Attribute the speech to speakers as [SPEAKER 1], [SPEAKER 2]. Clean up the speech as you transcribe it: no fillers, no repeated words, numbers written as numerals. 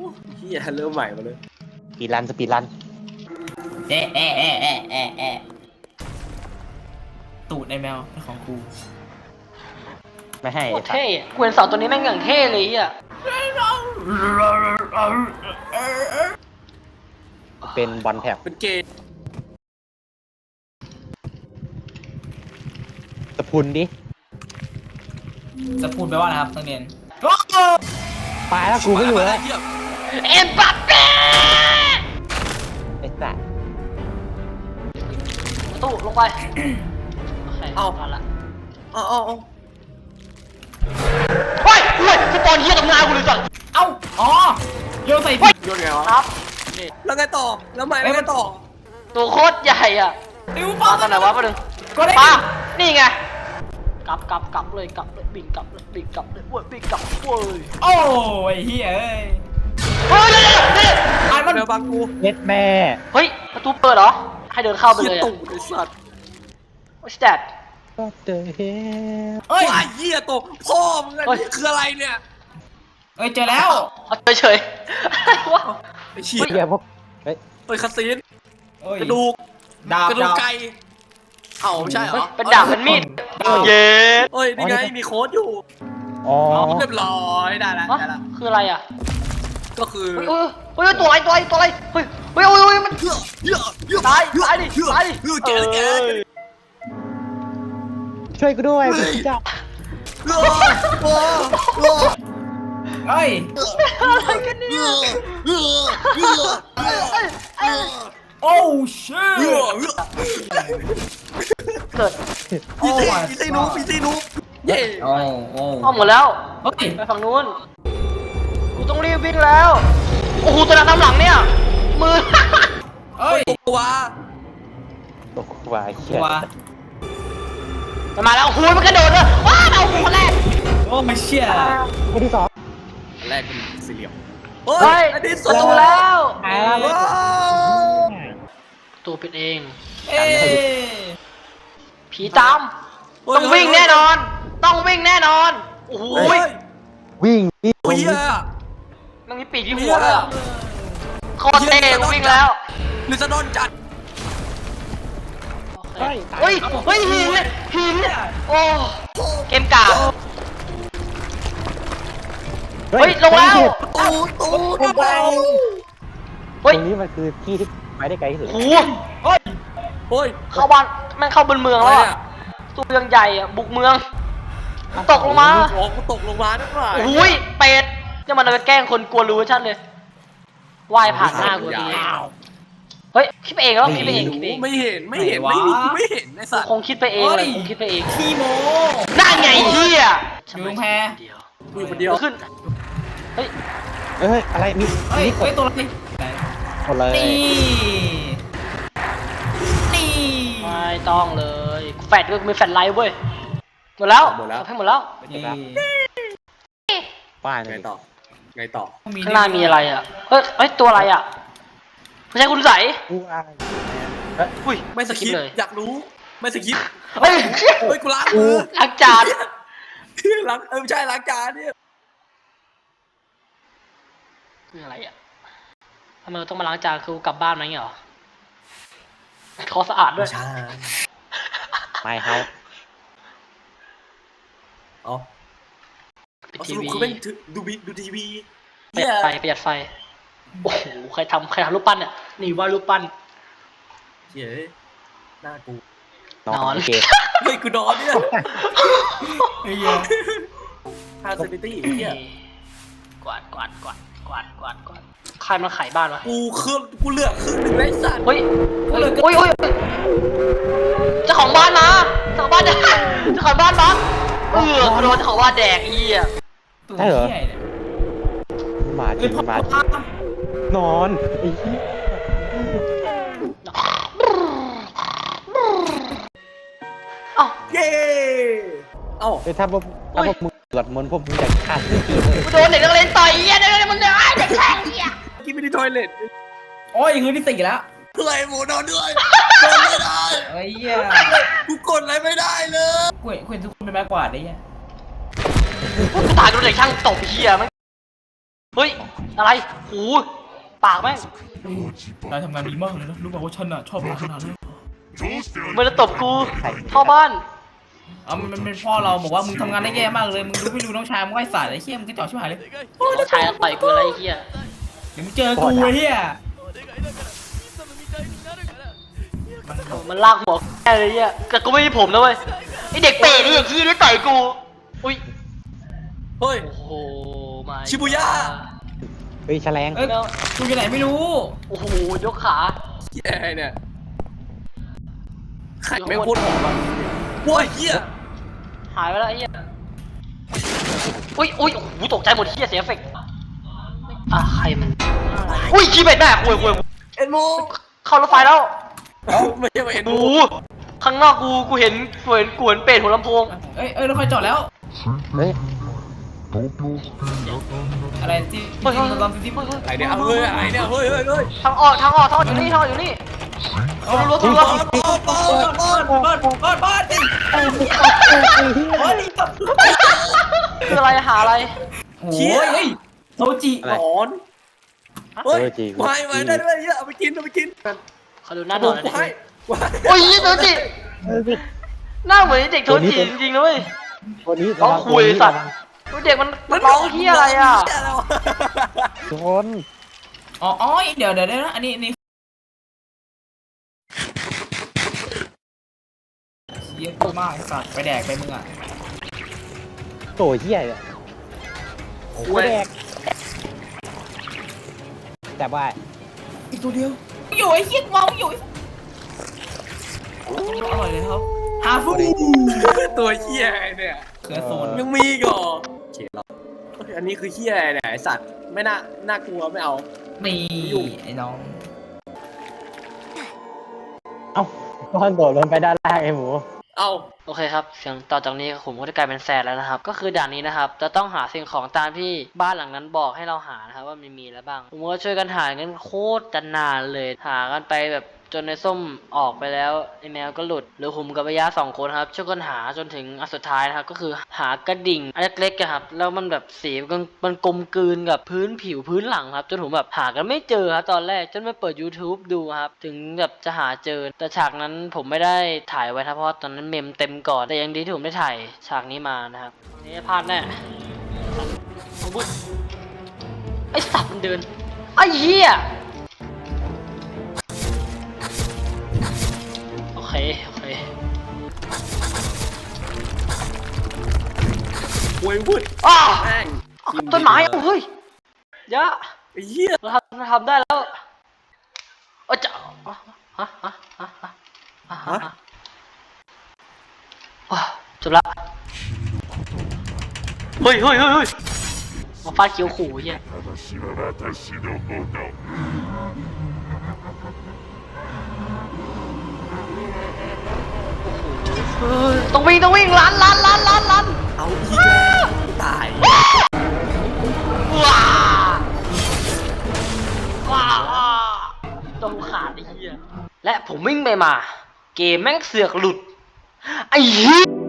[SPEAKER 1] เฮียเริ่มใหม่มาเลย
[SPEAKER 2] สปีดรัน
[SPEAKER 3] ตูดในแมวของกู
[SPEAKER 2] ไม่ให้
[SPEAKER 4] โคตรเท่อะกูเห็นเสาตัวนี้แม่งอย่างเท่เลยอ่ะ
[SPEAKER 2] เป็นบอลแท็บ
[SPEAKER 1] เป็นเกย์
[SPEAKER 2] สพุนดิ
[SPEAKER 3] จะพูดไปว่าอะไรครับนักเรียน
[SPEAKER 2] ตายแล้วกูไม่อยู่แล้ว
[SPEAKER 4] เอ็มบัปเป้
[SPEAKER 2] ไอ้สัส
[SPEAKER 4] ประตูลงไปโอเคมาละ
[SPEAKER 1] เอา
[SPEAKER 4] เฮ้ยสปอนเฮียกับงานกูเลยจัง
[SPEAKER 3] เอ้าอ๋อโยนใส่
[SPEAKER 1] โยนไงวะ
[SPEAKER 4] ครับ
[SPEAKER 1] แล้วไงต่อแล้วใหม่แล้วไงต่อ
[SPEAKER 4] ตัวโคตรใหญ่อ่ะ
[SPEAKER 3] ติว
[SPEAKER 4] มาตอนไหนวะประเด็น
[SPEAKER 3] ก็ได้
[SPEAKER 4] มานี่ไงกลับเลยบิ่งกลับเลยเว้ยบิ่งกลับเว้ย
[SPEAKER 3] โอ้ยเฮ้ยเอ้ย
[SPEAKER 4] เฮ้ยเดี๋ยว
[SPEAKER 3] อ่านมัน
[SPEAKER 1] เดี๋ยวบังกู
[SPEAKER 2] เย็ดแม่
[SPEAKER 4] เฮ้ยประตูเปิดเหรอให้เดินเข้าไป
[SPEAKER 1] เฮีย
[SPEAKER 4] เลย
[SPEAKER 1] ตู่ไอ้สัตว์
[SPEAKER 4] What's that
[SPEAKER 2] ก็เจอเฮ้
[SPEAKER 3] เอ้ย
[SPEAKER 1] ว้ายเฮียตู่พ่อมึงอะนี่คืออะไรเนี่ย
[SPEAKER 3] เอ้ยเจอแล้ว
[SPEAKER 4] เอาเฉยอะไรวะ
[SPEAKER 1] ไอ้เชี่ย
[SPEAKER 2] เหี้ยพวกเฮ้ย
[SPEAKER 1] เฮ้ยคาซีน
[SPEAKER 3] โอ้ย
[SPEAKER 1] กระดูก
[SPEAKER 3] ดาบ
[SPEAKER 1] กระดูกไก่เอ้าไม่ใช่เหรอ
[SPEAKER 4] เป็นดาบเป็นมีดเย็ด
[SPEAKER 1] เฮ้ยนี่ไงมีโค้ดอยู่
[SPEAKER 2] อ๋อ
[SPEAKER 1] เรียบร้อยได้แล้ว
[SPEAKER 4] ฮะ
[SPEAKER 1] ได้แล้ว
[SPEAKER 4] คืออะไรอ่ะ
[SPEAKER 1] ก็คือ
[SPEAKER 4] เฮ้ยตัวอะไรเฮ้ยมันตายดิ
[SPEAKER 1] แก
[SPEAKER 2] ช่วยกูด้วยกูเจ้า
[SPEAKER 3] เอ้ย
[SPEAKER 4] อะไรกันเนี่ย
[SPEAKER 3] โอ้ชิต
[SPEAKER 4] เกิด
[SPEAKER 1] พี่ซีนุ๊กเย่
[SPEAKER 3] โอ้โอ้
[SPEAKER 4] อ้อมหมดแล้ว
[SPEAKER 3] เฮ้ย
[SPEAKER 4] ไปฝั่งนู้นกูต้องรีบวิ่งแล้วโอ้โหตัวนั้นตามหลังเนี่ยมือ
[SPEAKER 3] เอ้ย
[SPEAKER 1] ตัว
[SPEAKER 2] ตกวายเชี่
[SPEAKER 3] ตั
[SPEAKER 2] ยว
[SPEAKER 4] มันมาแล้วโอ้โหมันกระโดดเลยว้าวเอาคนแรก
[SPEAKER 3] โอ้ไม่เชี่ย
[SPEAKER 2] คนที่สอง
[SPEAKER 1] แรกเป็นสี่เหลี่ยม
[SPEAKER 4] เฮ้ย
[SPEAKER 1] อันนี้
[SPEAKER 4] ประตูแล้ว
[SPEAKER 2] ตายแล้ว
[SPEAKER 4] ประตูปิดเอง
[SPEAKER 3] เอ้ย
[SPEAKER 4] ผีตามต้องวิ่งแน่นอน ต้องวิ่งแน่นอนโอ้โห
[SPEAKER 2] วิ่ง
[SPEAKER 1] โอ้ย
[SPEAKER 4] มันมีปีกที่หัวเลยอะโคตรเท่กูวิ่งแล้ว
[SPEAKER 1] ลิซาดอนจัด
[SPEAKER 4] เฮ้ยหินโอ้เกมกากเฮ้ยลงแล้ว
[SPEAKER 1] ตู
[SPEAKER 2] ตรง
[SPEAKER 4] เฮ้ย
[SPEAKER 2] นี้มันคือที่ที่ไปได้ไกลที่สุด
[SPEAKER 4] โอ้โหเฮ้ย
[SPEAKER 1] โอ้ย
[SPEAKER 4] เข้าบ้านแม่งเข้าบนเมืองแล้วอะตู้เมืองใหญ่อะบุกเมืองตกลงมา
[SPEAKER 1] โอ้กูตกลงมาด้วยว่ะ
[SPEAKER 4] โอ้ยเป็ดจะมันเอาไปแกล้งคนกลัวรู้ชันเลยว่ายผ่านหน้ากูดีเฮ้ยคิดไปเองแล้วคิดไปเอง
[SPEAKER 1] ไม่เห็นไอ้สัตว์
[SPEAKER 4] คงคิดไปเองเลยคงคิดไปเอง
[SPEAKER 3] ขี้โม
[SPEAKER 4] นั่นไงเฮีย
[SPEAKER 3] อยู่ตรงแพ
[SPEAKER 1] กูอยู่คนเดียว
[SPEAKER 4] ขึ้นเฮ้ย
[SPEAKER 2] เฮ้ยอะไรมี
[SPEAKER 3] เฮ้ย
[SPEAKER 2] มีก
[SPEAKER 3] เฮ้
[SPEAKER 2] ด
[SPEAKER 3] ยตัวอะไร
[SPEAKER 2] กดเลย
[SPEAKER 3] นี่นี่
[SPEAKER 4] ไม่ต้องเลยแฟดก็มีแฟดไลท์เว้ยหมดแล้วให้หมดแล้ว
[SPEAKER 3] นี่
[SPEAKER 2] ป้าย
[SPEAKER 1] ไง
[SPEAKER 2] เลย
[SPEAKER 1] ต่อไงต่อ
[SPEAKER 4] ข้างหน้ามีอะไรอ่ะเฮ้ยตัวอะไรอ่ะไม่ใช่คุณใส
[SPEAKER 2] กูอะไร
[SPEAKER 4] อุ้ย
[SPEAKER 1] ไม่สคริป
[SPEAKER 4] เลย
[SPEAKER 1] อยากรู้ไม่สคริป
[SPEAKER 4] เฮ้ย
[SPEAKER 1] เฮ้ยกูล้างมือ
[SPEAKER 4] ล้างจาน
[SPEAKER 1] ล้างไม่ใช่ล้างจานเนี่ย
[SPEAKER 4] คืออะไรอ่ะทำไมเราต้องมาล้างจานคือกลับบ้านไหมเงี้ยเหรอเขาสะอาดด้วย
[SPEAKER 1] ใช่
[SPEAKER 2] ไม่เฮา
[SPEAKER 1] อ๋อ
[SPEAKER 4] ปิด
[SPEAKER 1] ส
[SPEAKER 4] ที
[SPEAKER 1] รุป
[SPEAKER 4] วี
[SPEAKER 1] คือเป็นดูทีวี
[SPEAKER 4] ประหยัดไฟประหยัดไฟโอ้โหใครทำรูปปั้นเนี่ยนี่ว่ารูปปั้น
[SPEAKER 1] เฮ้ยหน้ากู
[SPEAKER 2] นอนเกม
[SPEAKER 1] เฮ้ยกูนอนเนี่ย
[SPEAKER 3] เฮ้ย
[SPEAKER 1] ฮาร์ดซิตี้เฮีย
[SPEAKER 4] กวาดใครมาขายบ้านวะ
[SPEAKER 1] กูเลือกครึ่งหนึ่งไอ้สัตว์
[SPEAKER 4] เฮ้ยเจ้าของบ้านมาเจ้าของบ้านมาโดนเจ้าของบ้านแดกอีอ่ะ
[SPEAKER 3] ตัวเหี้ยเนี่ย
[SPEAKER 2] มาจริงมาจริงนอนไอ้ที่
[SPEAKER 4] เอ้า
[SPEAKER 1] เย้เอ้า
[SPEAKER 2] ถ้าพวกมึงสวดมนต์พวกมึงอยากฆ่าที่ทีเลย
[SPEAKER 4] กูโดนเด็กนักเรียนต่อยอีอ่ะเด็กมึงเนี่ยเด็กแช่งอีอ่ะ
[SPEAKER 1] กินไปที่ทอยเล็ต
[SPEAKER 3] โอ้ยคืนที่สี่แล้ว
[SPEAKER 1] เพื่อไอ้หมูนอนด้วยนอนไม่ได้
[SPEAKER 3] เฮ้ยเหี้ย
[SPEAKER 1] กูกดอะไรไม่ได้เลย
[SPEAKER 3] กูเห็นทุกคนเป็นไม้กวาดได้ยัง
[SPEAKER 4] กูตายโดนเด็กช่างตบเหี้ยมั้งเฮ้ยอะไรหูปากแม่ง
[SPEAKER 3] นายทำงานดีมากเลยนะรู้ป่าวว่าฉันอะชอบนายขนาดนั้น
[SPEAKER 4] มันจะตบกูเข้าบ้าน
[SPEAKER 3] มันเป็นพ่อเราบอกว่ามึงทำงานได้แย่มากเลยมึงรู้ไม่รู้น้องชายมึงไอ้สายไอ้เหี้ยมึงก็จ่อชิบหายเลย
[SPEAKER 4] น้องชายต่อยกูอะไรเหี้ย
[SPEAKER 3] เดี๋ยวมึงเจอกูไอ้เหี้ย
[SPEAKER 4] มันลากหัวแค่เลยเหี้ยแต่กูไม่มีผมนะเว้ยไอเด็กเปรตนี่ไอ้ขี้นี่ต่อยกูอุ้ย
[SPEAKER 1] เฮ้ย
[SPEAKER 4] โอ้โหมา
[SPEAKER 1] ชิบุย่า
[SPEAKER 2] เฮ้ยแฉลง
[SPEAKER 3] เอ้ยกูอยู่ไหนไม่รู้
[SPEAKER 4] โอ้โหยกขา
[SPEAKER 1] เหี้ยอะไรเนี่ยไข่แม่งโคตรหอมอ่ะว้ายเหี้ย
[SPEAKER 4] หายไปแล้วไอ้เหี้ยอุ้ยโอ้โหตกใจหมดเหี้ยเสียเอฟเฟกต์ใครมันอุ้ยขี้เป็ดแม่คุย
[SPEAKER 1] เอ็นโม
[SPEAKER 4] เข้ารถไฟแล้ว
[SPEAKER 1] เอ้าไม่ใช่มาเอ็นโม
[SPEAKER 4] โอ้โหข้างนอกกูเห็นเป็ดหัวลำโพง
[SPEAKER 3] เอ้ยรถไฟจอดแล้ว
[SPEAKER 2] เฮ้ย
[SPEAKER 3] อะไรที่ลองที่
[SPEAKER 1] อะไรเนี่ยเอาเฮ้ยอะไรเนี่ยเฮ้ย
[SPEAKER 4] ทางออกอยู่นี่อยู่นี่รัว
[SPEAKER 1] บอลบอลบอล
[SPEAKER 3] บ้านดิโอ้ย
[SPEAKER 4] คืออะไรหาอะไร
[SPEAKER 3] โอ้ยเฮ้ยโทจิ
[SPEAKER 1] หนอนเฮ้ยไม่ได้ด้วยเยอะเอาไปกิน
[SPEAKER 4] เขาดูหน้าหนอนเลย
[SPEAKER 1] ไม่
[SPEAKER 4] โอ้ยโทจิหน้าเหมือนเด็กโทจิจริงๆนะเว้ย
[SPEAKER 2] ตัวนี้
[SPEAKER 4] ร้องคุยสัตว์เด็กมันร้องเฮียอะไรอ่ะ
[SPEAKER 2] โดน
[SPEAKER 3] อ๋อเดี๋ยวนะอันนี้เยี่ยมมากสัตว์ไปแดกไปมึงอ่ะ
[SPEAKER 2] โตเหี้ยเนี่ยโอ้แดกแต่ว่า
[SPEAKER 3] อีกตัวเดียวอยู่ไอ้เหี้ยมองอยู่อร่อยเลยครับฮาฟู
[SPEAKER 1] ตัวเหี้ยเนี่ย
[SPEAKER 3] เขือโซน
[SPEAKER 1] ยังมีก่อเขียนหรออันนี้คือเหี้ยเนี่ยไอสัตว์ไม่น่ากลัวไม่เอา
[SPEAKER 3] มีไอ้น้อง
[SPEAKER 2] เอ้าตอนโดดลงไปด้านล่างไอ้หมู
[SPEAKER 1] เอา
[SPEAKER 4] โอเคครับเสียงต่อจากนี้ผมก็จะกลายเป็นแซดแล้วนะครับ ก็คือด่านนี้นะครับจะต้องหาสิ่งของตามที่บ้านหลังนั้นบอกให้เราหานะครับว่ามันมีอะไรบ้างผมก็ช่วยกันหากันโคตรจะนานเลยหากันไปแบบจนในส้มออกไปแล้วไอแมวก็หลุดหรือผมกับระยะ2 คนครับช่วยกันหาจนถึงอันสุดท้ายนะครับก็คือหากระดิ่งอันเล็กๆครับแล้วมันแบบสีมันกลมกลืนกับพื้นผิวพื้นหลังครับจนผมแบบหากันไม่เจอครับตอนแรกจนมาเปิด YouTube ดูครับถึงแบบจะหาเจอแต่ฉากนั้นผมไม่ได้ถ่ายไว้ครับเพราะตอนนั้นเมมเต็มก่อนแต่ยังดีที่ผมได้ถ่ายฉากนี้มานะครับนี่พลาดแน่เอาบุ้ยไอสัตว์มันเดินไอเหี้ยโอเค
[SPEAKER 1] โวยวุ้ด
[SPEAKER 4] อ้า
[SPEAKER 1] แม่ง
[SPEAKER 4] ต้นไม้เฮ้ยยะ
[SPEAKER 1] ไอ้เหี้ย
[SPEAKER 4] เราทำได้แล้วจะจบละเฮ้ยมาฟาดเขียวขู่เฮียต้องวิ่งลัน
[SPEAKER 1] เอาอีกแล้วตาย
[SPEAKER 4] ว้าจมขาดไอ้เหี้ยและผมวิ่งไปมาเกมแม่งเสือกหลุดไอ้เหี้ย